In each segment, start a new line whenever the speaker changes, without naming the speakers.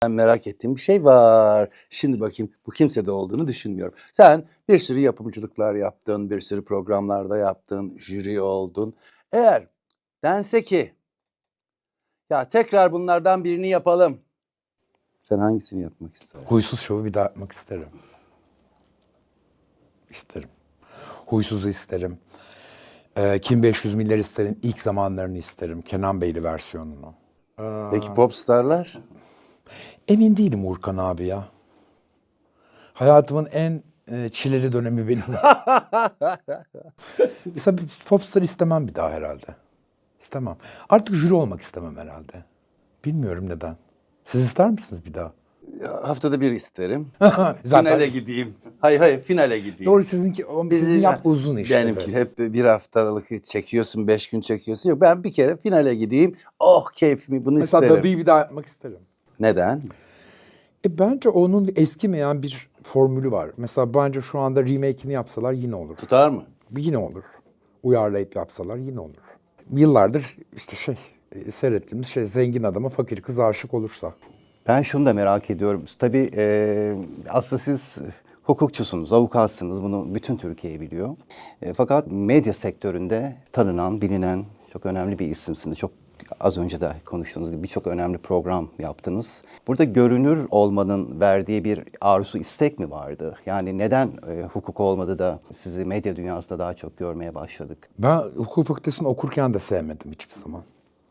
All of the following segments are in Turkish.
Ben merak ettiğim bir şey var. Şimdi bakayım bu kimsede olduğunu düşünmüyorum. Sen bir sürü yapımcılıklar yaptın, bir sürü programlarda yaptın, jüri oldun. Eğer dense ki ya tekrar bunlardan birini yapalım. Sen hangisini yapmak istersin?
Huysuz Şov'u bir daha yapmak isterim. İsterim. Huysuz'u isterim. Kim 500 milyar isterim. İlk zamanlarını isterim. Kenan Beyli versiyonunu.
Peki popstarlar?
Emin değilim Urkan abi ya. Hayatımın en çileli dönemi benim. Mesela bir popstar istemem bir daha herhalde. İstemem. Artık jüri olmak istemem herhalde. Bilmiyorum neden. Siz ister misiniz bir daha?
Haftada bir isterim.
Zaten
Finale gideyim. Hayır finale gideyim.
doğru sizinki sizin yap uzun iş.
Benimki
evet.
hep bir haftalık çekiyorsun, 5 gün çekiyorsun. Yok ben bir kere finale gideyim. Oh keyfimi bunu
Mesela
isterim.
Dadı'yı bir daha yapmak isterim.
Neden?
Bence onun eskimeyen bir formülü var. Mesela bence şu anda remake'ini yapsalar yine olur.
Tutar mı?
Yine olur. Uyarlayıp yapsalar yine olur. Yıllardır işte seyrettiğimiz zengin adama fakir kız aşık olursa.
Ben şunu da merak ediyorum. Tabii aslında siz hukukçusunuz, avukatsınız. Bunu bütün Türkiye biliyor. Fakat medya sektöründe tanınan, bilinen çok önemli bir isimsiniz. Çok az önce de konuştuğunuz gibi birçok önemli program yaptınız. Burada görünür olmanın verdiği bir arzu, istek mi vardı? Yani neden hukuk olmadı da sizi medya dünyasında daha çok görmeye başladık?
Ben hukuk fakültesini okurken de sevmedim hiçbir zaman.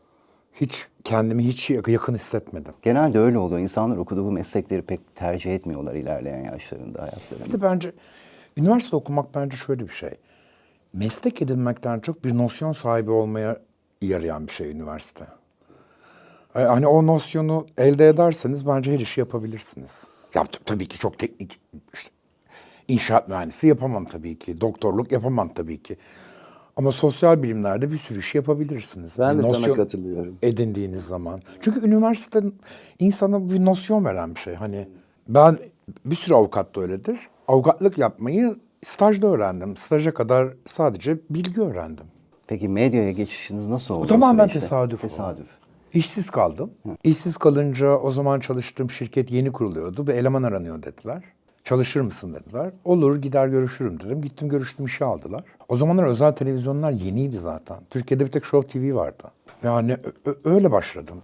Kendimi hiç yakın hissetmedim.
Genelde öyle oluyor. İnsanlar okuduğu bu meslekleri pek tercih etmiyorlar ilerleyen yaşlarında, hayatlarında.
Bir de bence üniversite okumak bence şöyle bir şey. Meslek edinmekten çok bir nosyon sahibi olmaya yarayan bir şey üniversite. Hani o nosyonu elde ederseniz bence her işi yapabilirsiniz. Ya tabii ki çok teknik, işte inşaat mühendisi yapamam tabii ki, doktorluk yapamam tabii ki. Ama sosyal bilimlerde bir sürü iş yapabilirsiniz.
Ben
Bir
de sana
nosyon
katılıyorum.
edindiğiniz zaman. Çünkü üniversite insana bir nosyon veren bir şey. Hani ben bir sürü avukat da öyledir. Avukatlık yapmayı stajda öğrendim. Staja kadar sadece bilgi öğrendim.
Peki medyaya geçişiniz nasıl oldu?
Bu tamamen
o süreçte?
tesadüf.
Tesadüf.
İşsiz kaldım. İşsiz kalınca o zaman çalıştığım şirket yeni kuruluyordu. Bir eleman aranıyor dediler. Çalışır mısın dediler. Olur gider görüşürüm dedim. Gittim görüştüm işe aldılar. O zamanlar özel televizyonlar yeniydi zaten. Türkiye'de bir tek Show TV vardı. Yani öyle başladım.